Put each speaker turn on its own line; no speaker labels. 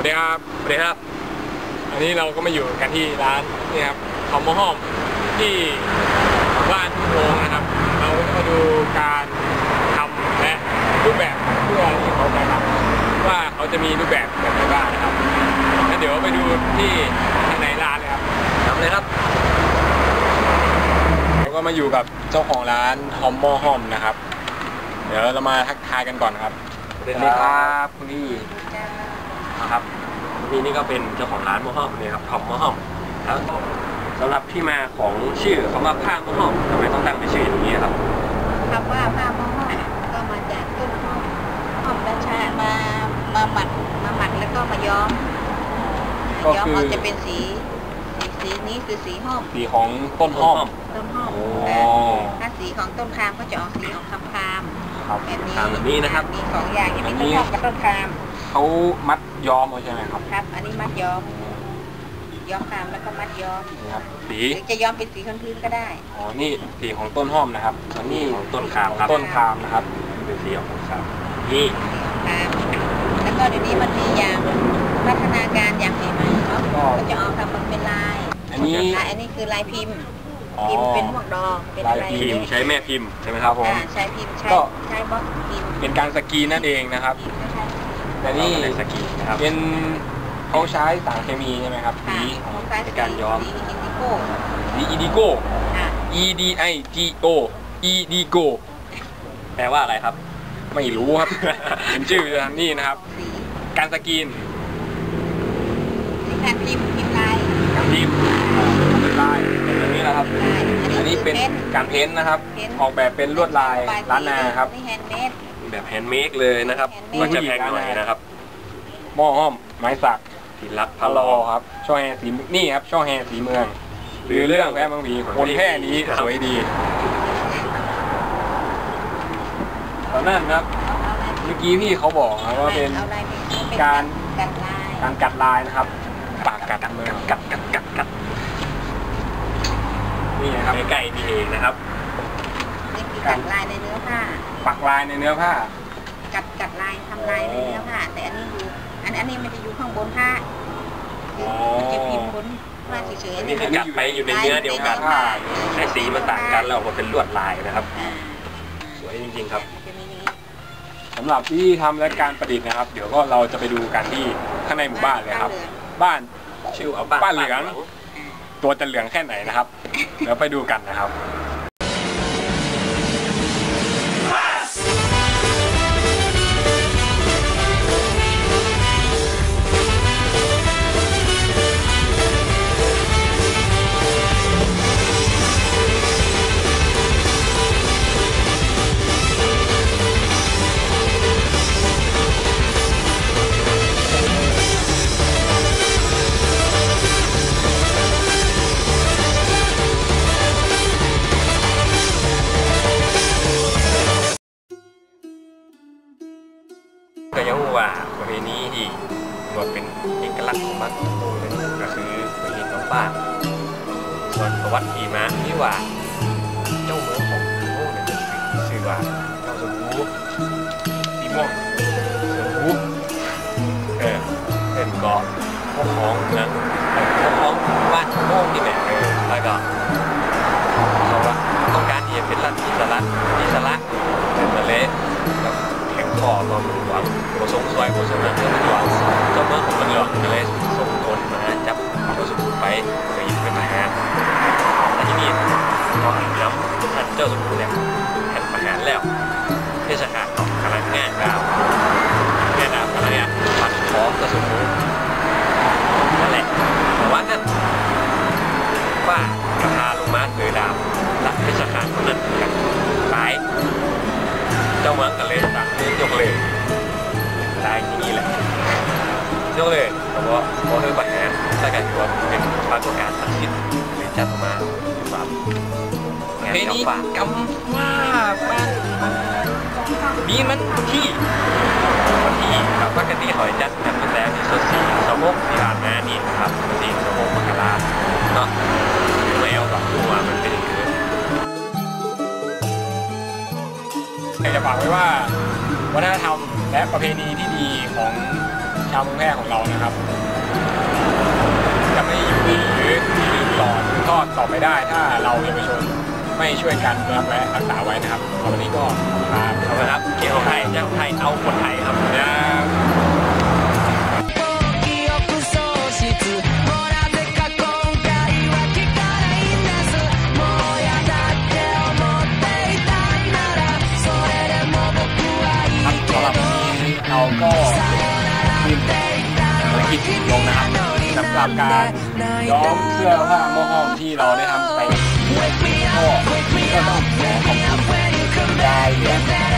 วัสดีครับสวัสดีครับอันนี้เราก็มาอยู่กันที่ร้านนี่ครับคอมโมห้อมที่บ้านทุ่งโฮงนะครับเรามาดูการทำและรูปแบบเพื่อที่เขาจะทำว่าเขาจะมีรูปแบบแบบไหนบ้างนะครับงั้นเดี๋ยวไปดูที่ข้างในร้านเลยครับทำเลยครับเราก็มาอยู่กับเจ้าของร้านคอมโมห้อมนะครับเดี๋ยวเรามาทักทายกันก่อนครับ
สวัสดีครับคุณพี่นะครับนี่ก็เป็นเจ้าของร้านหม้อห้อมนี่ครับทอมหม้อห้อมแล้วสำหรับที่มาของชื่อคำว่าผ้าหม้อห้อมทำไมต้องตั้งเป็นชื่ออย่างนี้ครับ
คำว่าผ้าหม้อห้อมก็มาจากต้นหอมราชามาหมัดแล้วก็มาย้อมเอาจะเป็นสีนี้คือสีห้อม
สีของต้นห้อม
ถ้าสีของต้นคามก็จะออกสีออกคาม
แบบนี้นะครับ
มี2อย่างอย่างนี้ต้นห้อมกับต้นคาม
เขามัดย้อมใช่ไหมครับ
ครับอันนี้มัดย้อมคามแล้วก็มัดย้อม
ครับสี
จะย้อมเป็นสีพื้นก็ได้
อ๋อนี่สีของต้นห้อมนะครับอันนี้
ของต้นคามครับ
ต้นคามนะครับ
เป็นสีของคามนี่
แล้วก็เดี๋ยวนี้มันมีอย่างพัฒนาการอย่างใหม่ๆเนาะก็จะออกทำมันเป็นลายอันนี้คือลายพิมพ์เป็นพวกดอกเป็นลาย
พิมพ์ใช้แม่พิมพ์ใช่ไหมครับผม
ใช้พิมพ์ใช้บล็อกพิมพ์
เป็นการสกรีนนั่นเองนะครับแต่นี่
สกรีนนะครับ
เป็นเขาใช้สารเคมีใช่ไหมครับสี
ในการย้อม
สีอีดิโก้ EDIGO
แปลว่าอะไรครับ
ไม่รู้ครับเป็นชื่อนี่นะครับการสกรีน
การพิมพ์ลาย
การพิมพ์ลายอันนี้นะครับอันนี้เป็นการเพ้นท์นะครับออกแบบเป็นลวดลายล้านนาครับ
แบบแฮนด์เมดเลยนะครับก็จะแพงหน่อยนะครับ
หม้อห้อมไม้สัก
ที่รักพะลอ
ครับช่อแฮสีนี่ครับช่อแฮสีเมืองหรือเรื่องแพร่บางผีคนแพร่นี้สวยดีตอนนั้นครับเมื่อกี้พี่เขาบอกนะว่าเป็นการกัดลายนะครับปากกัดเมือง
กัด
นี่นะครับ
ใกล้ๆนี่เองนะครับ
นี่คือกัดลายในเนื้อผ้า
ปักลายในเนื้อผ้า
กัดลายทำลายในเนื้อผ้าแต่อันนี้อยู่อันนี้มันจะอยู่ข้างบนผ้ามันจะพิมพ์บนผ้าเฉยๆ
นี่คือกัดไปอยู่ในเนื้อเดียวกันในสีมันต่างกันแล้วมันเป็นลวดลายนะครับสวยจริงๆครับ
สำหรับที่ทำและการประดิษฐ์นะครับเดี๋ยวก็เราจะไปดูกันที่ข้างในหมู่บ้านเลยครับบ้าน
ชื่อ
บ้านเหลืองตัวจะเหลืองแค่ไหนนะครับเดี๋ยวไปดูกันนะครับ
ก็ยังว่าประเพณีที่ว่าเป็นเอกลักษณ์ของบ้านทุ่งโฮงก็คือประเพณีกำปั้นส่วนประวัติที่มาที่ว่าเจ้าเมืองของทุ่งโฮงเนี่ยชื่อว่าเจ้าสมูสีม่วงสมูเป็นเกาะพวกของนะพวกของบ้านทุ่งโฮงนี่แหละแล้วก็เขาว่าต้องการที่จะเป็นรัฐอิสระเป็นมาเลแข่งข้อตอนมันหลวงโบสงสวยโบสนาเจ้ามันหลวงเจ้าเมืองของมันหลวงก็เลยส่งคนมาจับเจ้าสมุนไปยิงเป็นทหารและที่นี่พอเห็นแล้วท่านเจ้าสมุนเนี่ยแข่งทหารแล้วเทศกาลของกำลังง่ายดาวอะไรเนี่ยปัดท้องเจ้าสมุนนั่นแหละแต่ว่านั่นว่ากระพาลงมาเสือดาวรับเทศกาลนั้นกันตายเจ้าเมืองกันเลยสั่งยกเลยตายที่นี่แหละยกเลยเพราะว่าเธอปัญหาถ้าการที่ว่าเป็นปรากฏการณ์ศักดิ์สิทธิ์หรือจัดมาแบบงานกำปั้นบ้านมีมันที่ครับปกติหอยจัดกันมาแล้วที่สุด4 ชั่วโมงที่ผ่านมานี่ครับ4 ชั่วโมงมกราเนาะไม่เอาแบบตัวมันเป็นอย่างนี้
อยากจะฝากไว้ว่าวัฒนธรรมและประเพณีที่ดีของชชาวเมืองแพร่ของเรานะครับจะไม่อยู่หรือต่อทอดต่อไปได้ถ้าเราเยาวชนไม่ช่วยกันรับและรักษาไว้นะครับวันนี้ก็ขอบคุณครับเกี่ยวกับไทยเจ้าไทยเอาคนไทยครับเราก็ขึ้นภารกิจลงนะครับสำหรับการย้อมเสื้อผ้าหม้อห้อมที่เราได้ทำไปก็ต้องขอขอบคุณยายเหลือ